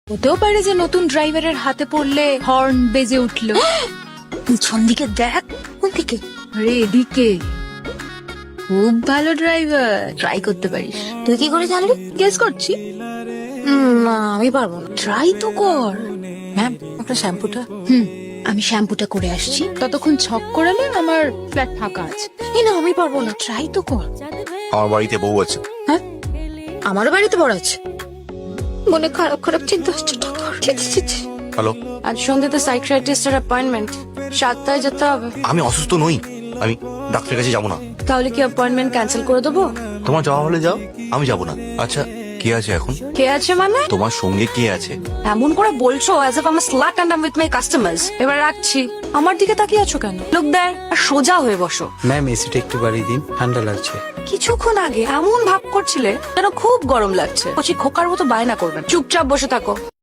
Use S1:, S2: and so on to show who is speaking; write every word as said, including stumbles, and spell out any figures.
S1: হতেও পারে যে নতুন ড্রাইভারের হাতে পড়লে হর্ন বেজে উঠলো।
S2: পিছন দিকে দেখ। কোন দিকে?
S1: আরে এদিকে। খুব ভালো ড্রাইভার, ট্রাই করতে পারিস।
S2: তুই কি করে জানলি?
S1: গেস করছি।
S2: হুম, না আমি পারবো না।
S1: ট্রাই তো কর।
S2: ম্যাম আপনার শ্যাম্পুটা।
S1: হুম, আমি শ্যাম্পুটা করে আসছি, ততক্ষণ ছক করালে আমার ফ্ল্যাট ফাঁকা আছে।
S2: এই না আমি পারবো না, ট্রাই তো কর।
S3: আমার বাড়িতে বউ আছে।
S2: হ্যাঁ আমারও বাড়িতে বড় আছে। মনে খারাপ খারাপ চিন্তা হচ্ছে।
S3: হ্যালো,
S2: আজ সন্ধ্যেতে সাইকিয়াট্রিস্টের অ্যাপয়েন্টমেন্ট, সাতটায় যেতে হবে।
S3: আমি অসুস্থ নই, আমি ডাক্তারের কাছে যাবো না।
S2: তাহলে কি অ্যাপয়েন্টমেন্ট ক্যান্সেল করে দেবো?
S3: তোমার যাওয়া হলে যাও, আমি যাবো না। আচ্ছা, কে আছে এখন?
S2: কে আছে মানে?
S3: তোমার সঙ্গে কে আছে?
S2: এমন করে বলছো as if I am a slut and I am with my customers. এবার রাখছি। আমার দিকে তাকিয়ে আছো কেন? লুক দেয়ার আর সোজা হয়ে বসো।
S4: ম্যাম এসিটা একটু বাড়িয়ে দিন, ঠান্ডা লাগছে।
S2: কিছুক্ষণ আগে এমন ভাব করছিলে যেন খুব গরম লাগছে। কচি খোকার মতো বায়না করবেন। চুপচাপ বসে থাকো।